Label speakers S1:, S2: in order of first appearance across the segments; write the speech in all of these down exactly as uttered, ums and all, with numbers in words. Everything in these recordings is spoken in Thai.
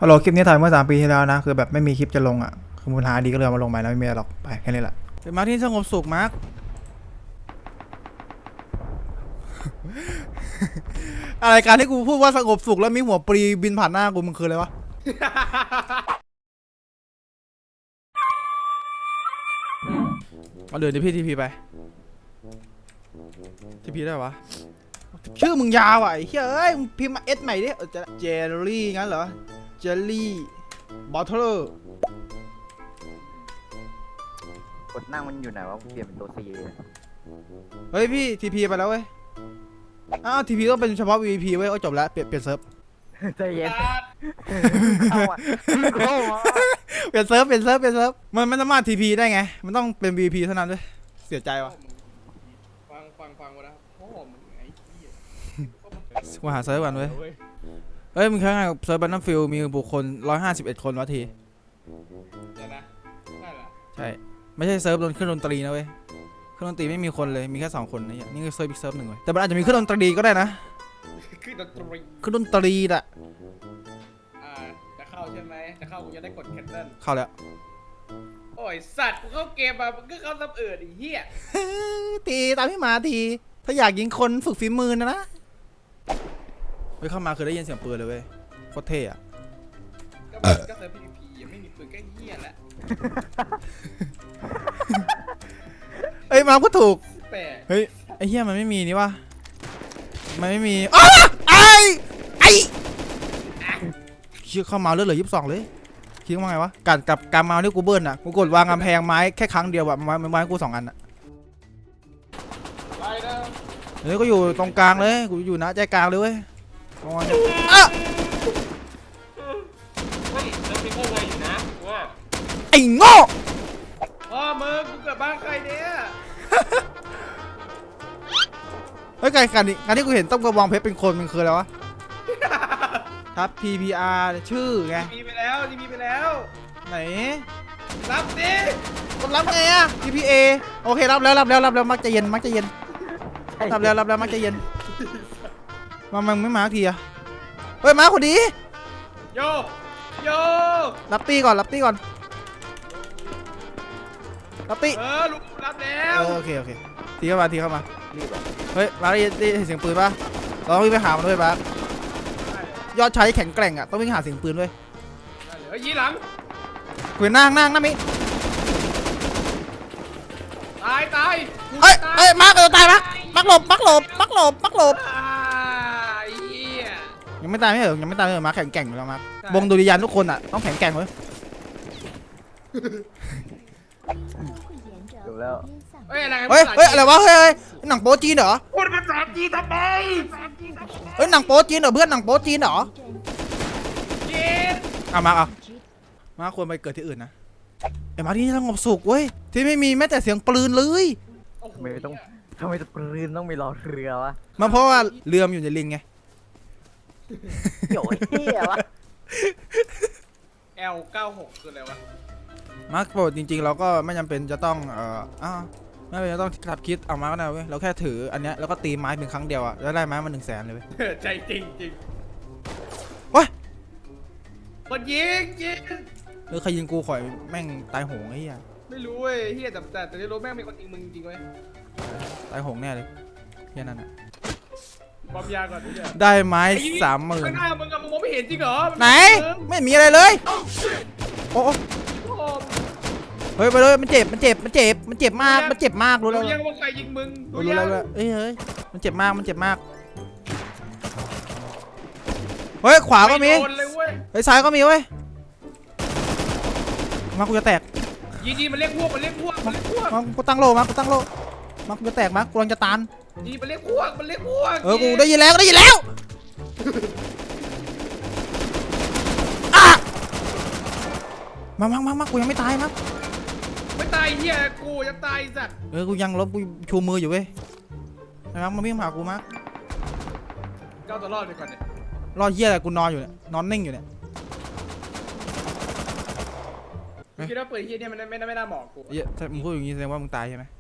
S1: ฮัลโหลคลิปนี้ถ่ายเมื่อสามปีที่แล้วนะคือแบบไม่มีคลิปจะลงอ่ะคือมูลหาดีก็เลยเอามาลงไปแล้วไม่มีอะไรหรอกไปแค่นี้แหละเป็นมาร์คที่สงบสุขมาร์ค อะไรการที่กูพูดว่าสงบสุขแล้วมีหัวปรีบินผ่านหน้ากูมันคืออะไรวะ มาเดินดิพี่ทีพีไปทีพีได้ปะชื่อมึงยาวอ่ะไอ้เฮ้ยเอ้ยมึงพิมพ์มาเอสใหม่ดิเจลลี่งั้นเหรอเจลลี่บอทเทอร์
S2: กดนั่งมันอยู่ไหนวะเปลี่ยนเป็นตัวซีเลย
S1: เฮ้ยพี่ทีพีไปแล้วเว้ยอ้าวทีพีต้องเป็นเฉพาะ วี ไอ พี เว้ยโอ้จบแล้วเปลี่ยนเปลี่ยนเซิร์ฟ
S2: ใจเย็นเข้าอ่ะเข้าอ่ะ
S1: เปลี่ยนเซิร์ฟเปลี่ยนเซิร์ฟเปลี่ยนเซิร์ฟมันไม่สามารถทีพีได้ไงมันต้องเป็น วี ไอ พี เท่านั้นด้วยเสียใจว่ะ
S3: ฟังฟังฟังมาแล้วพ่อมึงไอ้เหี้ย
S1: กูหาเซิร์ฟกันเว้ยเฮ้ยมึงแค่ไงกับเซิร์ฟบันนัมฟิลมีบุคคลหนึ่งร้อยห้าสิบเอ็ดคนวะที
S3: เดี๋ยวนะได้เหรอ
S1: ใช่ไม่ใช่เซิร์ฟดนเครื่องดนตรีนะเว้ยเครื่องดนตรีไม่มีคนเลยมีแค่สองคนนะเนี่ยนี่คือเซิร์ฟอีกเซิร์ฟหนึ่งเว้ยแต่มันอาจจะมีเครื่องดนตรีก็ได้นะ
S3: คือดนตรี
S1: เครื่องดนตรีน่ะ
S3: อ่าจะเข้าใช่ไหมจะเข้ากูจะได้กดแคนเซิล
S1: เข้าแล้ว
S3: โอ้ยสัตว์กูเข้าเกมมามึงก็เข้าซับเอิร์ดไอ้เหี้ย
S1: ทีตามพี่หมาทีถ้าอยากยิงคนฝึกฝีมือนะนะเฮ้ยเข้ามาคือได้ยินเสียงปืนเลยเว้ยโคตรเท่อะ
S3: ก็มันก็เซิร์ฟพีวีพียังไม่มีปืนก็เหี้ยแหละ
S1: เอ้ยมาก็ถูก
S3: แปลก
S1: เฮ้ยไอ้เหี้ยมันไม่มีนี่วะมันไม่มีอ้าไอ้ไอ้ชื่อเข้ามาเลือดเหลือยี่สิบสองเลยคิดว่าไงวะการกับการมาที่กูเบิ้ลอ่ะกูกดวางกำแพงไม้แค่ครั้งเดียวแบบไม้ไม้กูสองอันอ่ะ
S3: ไปนะ
S1: เฮ้ยก็อยู่ตรงกลางเลยกูอยู่นะใจกลางเลยเว้ยอ่ะ
S3: เฮ้ยเซิร์ฟมีโค้งไวอยู่นะว่า
S1: ไอ้โง่
S3: พ่อมึงกูเกิดบ้านใครเนี่ย
S1: เฮ้ยการการที่การที่กูเห็นต้มกระบองเพชรเป็นคนมันคืออะไรวะครับ พี พี อาร์ ชื่อไง
S3: ทีพีไปแล้วทีพีไปแล้ว
S1: ไหน
S3: รับดิ
S1: กดรับไงอะ พี พี เอ โอเครับแล้วรับแล้วรับแล้วมักจะเย็นมักจะเย็นรับแล้วรับแล้วมักจะเย็นมามันไม่มาสักทีอะเฮ้ยมาคนดี
S3: โยโย
S1: รับตีก่อนรับตีก่อนรับตี
S3: เออลุงรับแล้
S1: เอ
S3: ว
S1: อโอเคโอเคทีเข้ามาทีเข้ามา
S2: รีบอ่ะ
S1: เฮ้ยมาได้ยินได้ยินเสียงปืนปะเราต้องวิ่งไปหามันด้วยปะยอดชายที่แข็งแกร่งอะต้องวิ่งหาเสียงปืนด้วย
S3: เฮ้ยยีหลัง
S1: คุยนั่งนั่งนั่งมิ
S3: ตายตายกู
S1: เอ้ย
S3: ตา
S1: เอ้ยมาร์คเออตายมาร์คมักหลบมักหลบมักหลบมักหลบ
S3: อ่าไอ้เหี้ย
S1: ยังไม่ตายไม่เหรอยังไม่ตายไม่เหรอมาร์คแข็งแกร่งอยู่แล้วมาร์ค
S3: ใช่
S1: วงดุริยางค์ทุกคนอะต้องแข็งแกร่งเว้ย
S2: จบแล้ว
S3: เฮ้ยอะไร
S1: เฮ้ยเฮ้ยอะไรวะเฮ้ยเฮ้ยหนังโป๊จีนเหรอ
S3: พูดภาษาจีนทำไม
S1: เฮ้ยหนังโป๊จีนเหรอเพื่อนหนังโป๊จีนเหรอ
S3: จีน
S1: เอามาเอามาควรไปเกิดที่อื่นนะไอ้มาที่นี่สงบสุขเว้ยที่ไม่มีแม้แต่เสียงปืนเลย
S3: โอ้โห
S2: ทำไมต้องทำไมจะปืนต้องมีรอเรือวะ
S1: มันเพราะว่าเรือมนอยู่ในลิงไง
S2: เกี่ยวไอ้เหี้ยวะ
S3: แอลเก้าหกคืออะไรวะ
S1: มาร์คโปรจริงๆเราก็ไม่จำเป็นจะต้องเอ่ออ้าวไม่จำเป็นจะต้องขับคิดเอามาก็ได้เว้ยเราแค่ถืออันเนี้ยแล้วก็ตีไม้เพียงครั้งเดียวอะแล้วได้ไม้มาหนึ่งแสนเลยเว้ย
S3: ใจจริงจริง
S1: โอ้ย
S3: คนยิงยิง
S1: เออใครยิงกูข่อยแม่งตายโหงไอ้เหี้ย
S3: ไม่รู้เว้ยเฮียแต่แต่แต่ที่รู้แม่งมีคนยิงมึงจริงเว้ย
S1: ตายโหงแน่เลยแค่นั้นอะ
S3: บอมยาก่อนดิเนี่ย
S1: ได้ไม้สามหมื่น
S3: ข้างหน้ามึงอะมึงมองไม่เห็นจริงเหรอ
S1: ไหนไม่มีอะไรเลยโอ้โอ้
S3: โอ้โห
S1: เฮ้ยไปเลยมันเจ็บมันเจ็บมันเจ็บมันเจ็บมากมันเจ็บมากรู้แล้ว
S3: รู้ยังว่าใครยิงมึง
S1: รู้แล้วรู้แล้วเอ้ยเฮ้ยมันเจ็บมากมันเจ็บมากเฮ้ยขวาก็มี
S3: ไโดนเลยเว้ย
S1: เฮ้ยซ้ายก็มีเว้ยมากูจะแตก
S3: ยีดีมันเรียกพวกมันเรียกพวกมันเรียกพวก
S1: มากูตั้งโลมากูตั้งโลมากูจะแตกมากูกำลังจะตาน
S3: ยีมันเรียกพวกมันเรียกพวก
S1: เออกูได้ยินแล้วได้ยินแล้วอ่ะมามามามากูยังไม่ตายมั้ง
S3: ไม่ตายเฮียกูจะตายสัตว์
S1: เออกูยังลบกูชูมืออยู่เว้ยไอ้มั้งมาวิ่งมาหากูมั้ง
S3: เก้าตัวรอดไปก่อนเนี่ย
S1: รอเหี้ยอะไรกูนอนอยู่เนี่ยนอนนิ่งอยู่เนี่ย
S3: คิดว่าปืนเฮียเนี่ยมันไม่ไม่น่าเหมาะกู
S1: เหี้ยถ้ามึงพูดอย่างงี้แสดงว่ามึงตายใช่ไหม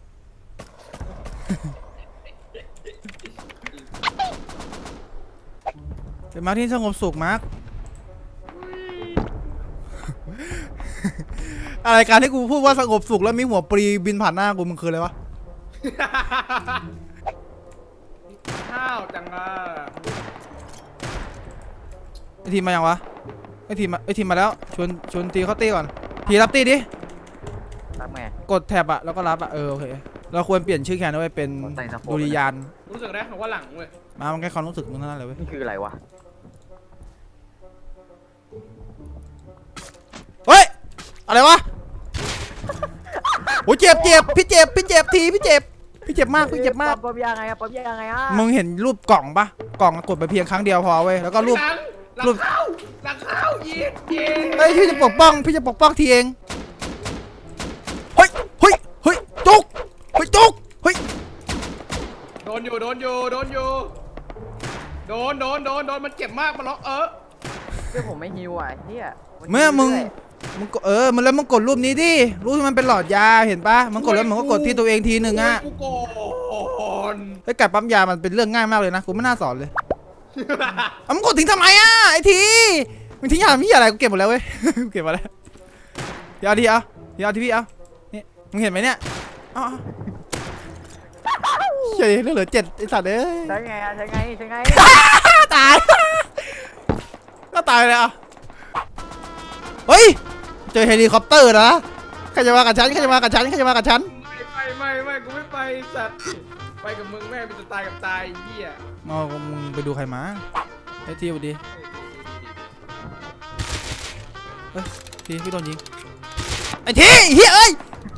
S1: เป็นมาร์คที่สงบสุขมาร์คอะไรการที่กูพูดว่าสงบสุขแล้วมีหัวปรีบินผ่านหน้ากูมันคืออะไรวะ
S3: ข้าวจังอ่ะ
S1: ไอทีมมายังวะไอทีมมาไอทีมมาแล้วชวนชวนตีเข้าตีก่อนทีรับตีดิ
S2: รับไง
S1: กดแท็บอะแล้วก็รับอะเออโอเคเราควรเปลี่ยนชื่อแคนด้วยเป็น
S2: ใส่สะโพก
S1: ดุริยาน
S3: รู้สึกได้ว่าหลังเว้ย
S1: มามันแค่ความรู้สึกมึงเท่านั้นเลยเว้ย
S2: นี่คืออะไรวะ
S1: เฮ้ยอะไรวะโอ้ยเจ็บเจ็บพี่เจ็บพี่เจ็บทีพี่เจ็บพี่เจ็บมากพี่เจ็บมาก
S2: ปั๊บยังไงอะปั๊บยังไงอะ
S1: มึงเห็นรูปกล่องปะกล่องกดไปเพียงครั้งเดียวพอเว้ยแล้วก็รูป
S3: หลังหลัง
S1: รูป
S3: เข้าหลังเข้ายิงยิง
S1: เฮ้ยพี่จะปกป้องพี่จะปกป้องทีเองเฮ้ยเฮ้ยเฮ้ยจุกเฮ้ยจุกเฮ้ย
S3: โดนอยู่โดนอยู่โดนอยู่โดนโดนโดนโดนมันเจ็บมากมันล็อกเออ
S2: เพื่อผมไม่ฮิวอ่ะเฮีย
S1: เมื่อมึงมึงกดเออมันแล้วมึงกดรูปนี้ดิรูปที่มันเป็นหลอดยาเห็นปะมึงกดแล้วมึงก็กดที่ตัวเองทีหนึ่งอะ
S3: กูโกน
S1: ไอ้ยการปั๊มยามันเป็นเรื่องง่ายมากเลยนะกูไม่น่าสอนเลยเอามึงกดทิ้งทำไมอะไอ้ทีมึงทิ้งยาพี่อะไรกูเก็บหมดแล้วเว้ย กูเก็บมาแล้วเดี๋ยวเอาทีเอาเดี๋ยวเอาทีพี่เอานี่มึงเห็นไหมเนี่ยเอ๋อาเฉยเหลือเจ็ดไอ้สัตว์เอ้ย
S2: ใช่ไงอะใช่ไงใช่ไง
S1: ตายก็ตายเลยอ่ะเฮ้ยเจอเฮลิคอปเตอร์นะใครจะมากับฉันใครจะมากับฉันใครจะมากับฉัน
S3: ไม่ไม่ไม่ไม่กูไม่ไปสัตว์ไปกับมึงแม่เป็นจะตายกับตายเหี้ย
S1: มามึงไปดูใครมาไอ้ทีสวัสดีเฮ้ยทีพี่โดนยิงไอ้ทีเฮ้ยเอ้ย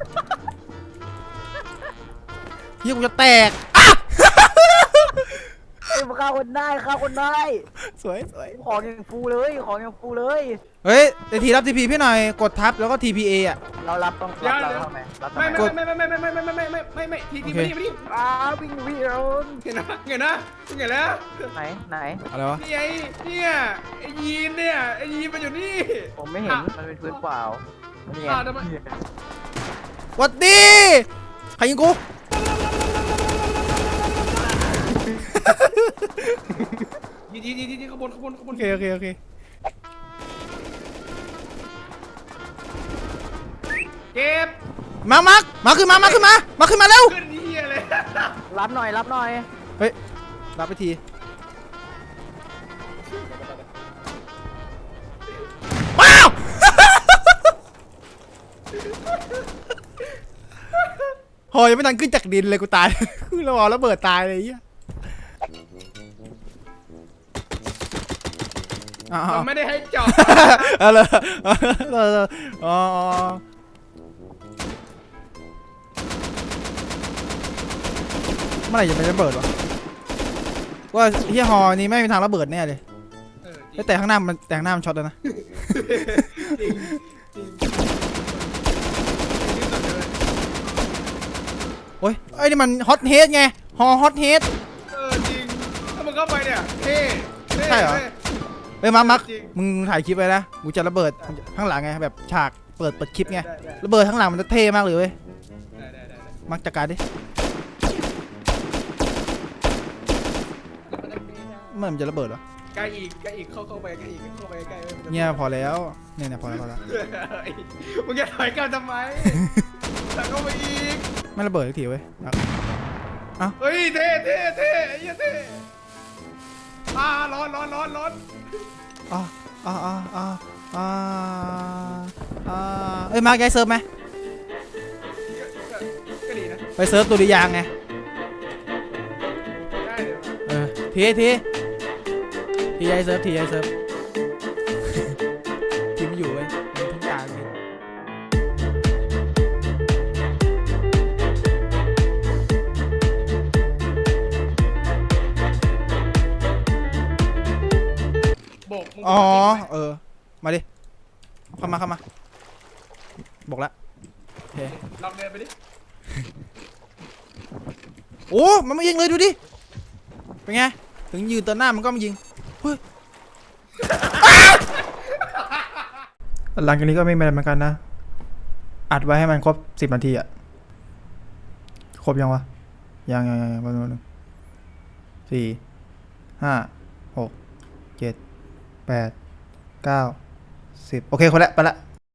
S1: เฮียกูจะแตกอ่ะ
S2: เอ้ยมาฆ่าคนได้ฆ่าคนได้
S1: สวยสวย
S2: ของยังฟูเลยของยังฟูเลย
S1: เฮ้ยไอ้ทีรับทีพีพี่หน่อยกดทับแล้วก็ทีพีเออ่ะ
S2: เรารับต้องรับเราทำไมรับทำไม
S3: ไม่ไม่ไม่ไม่ไม่ไม่ไม่ไม่ไม่ไม่ไม่ไม่ทีทีไม่ดีไม่ดี
S2: อ้าววิ่งวิ่งเอา
S3: เห็นนะเห็นนะเห็นแล้ว
S2: ไหนไหน
S1: อะไรวะ
S3: นี่ไอ้เนี่ยไอ้ยีนเนี่ยไอ้ยีนมันอยู่นี่
S2: ผมไม่เห็นมันเป็นพื้นเปล่านี่ไง
S3: อ้าวทำไม
S1: หวัดดีใครยิงกู
S3: ยีนยีนยีนยีนขบวนขบวนขบว
S1: โอน เคโอเคโอเค
S3: เก็บ
S1: มามามาขึ้นมามาขึ้นมามาขึ้นมาเร็ว
S3: ขึ้นเหี้ยเลย
S2: รับหน่อยรับหน่อย
S1: เฮ้ยรับไปทีว้าว โหยังไม่ทันขึ้นจากดินเลยกูตาย ขึ้นแล้วเอาระเบิดตายเลยไอ้เหี้ยอ้าว
S3: มันไม่ได้ให้จอด
S1: เอาเลยเอาเลยอ๋อเมื่อไหร่จะเป็นระเบิดวะว่าเฮียฮอนี้ไม่มีทางระเบิดแน่เลย
S3: เออจริง
S1: แต่ข้างหน้ามันแต่ข้างหน้ามันช็อตแล้วนะ
S3: จริงจริงที่สุดเลย
S1: โอ้ยไอ้นี่มันฮอตเฮดไงฮอฮอตเฮด
S3: เออจริงถ้ามึงเข้าไปเนี่ยเท่เท่
S1: ใช่เหรอ
S3: ท่
S1: เฮ้ยมาร์คมาร์ค
S3: จริง
S1: มึงถ่ายคลิปไว้นะกูจะระเบิดข้างหลังไงแบบฉากเปิดเปิดคลิปไง
S3: ได้ได้
S1: ระเบิดข้างหลังมันจะเท่มากเลยเว้ย
S3: ได้ได้ได้ได้
S1: มักจัดการดิเมื่อมันจะระเบิดวะ
S3: ใกล้อีกใกล้อีกเข้าเข้าไปใกล้อีกเข้าไปใกล้
S1: เนี่ยพอแล้วเนี่ยเนี่ยพอแล้วพอแล้ว
S3: มึงจะถอยกลับทำไมถอยเข้าไปอีก
S1: ไม่ระเบิดสักทีเว้ยอ่ะ
S3: เฮ้ยเท่เท่เท่ไอ้เหี้ยเท่อ่าร้อนร้อนร้อนร้อน
S1: อ่ะอ่ะอ่ะอ่ะอ่ะอ่ะเอ้ยมาร์คย้ายเซิร์ฟไหม
S3: ก็ดีนะ
S1: ไปเซิร์ฟตุริยางไง
S3: ได้เดี๋ยว
S1: เออทีทีทีย้ายเซิร์ฟทีย้ายเซิร์ฟ ทีไม่อยู่เว้ยมันทิ้งตายไป
S3: โบกมึง
S1: อ๋อเออมาดิเข้ามาเข้ามาบอกละโอเค
S3: ลองเดินไปดิ
S1: โอ้มันไม่ยิงเลยดูดิเป็นไงถึงยืนต่อหน้ามันก็ไม่ยิงเฮ้ย หลังจากนี้ก็ไม่เป็นไรเหมือนกันนะอัดไว้ให้มันครบสิบนาทีอะครบยังวะยังยังยังยังแป๊บนึงแป๊บนึงสี่ห้าหกเจ็ดแปดเก้าสิบโอเคคนละไปละ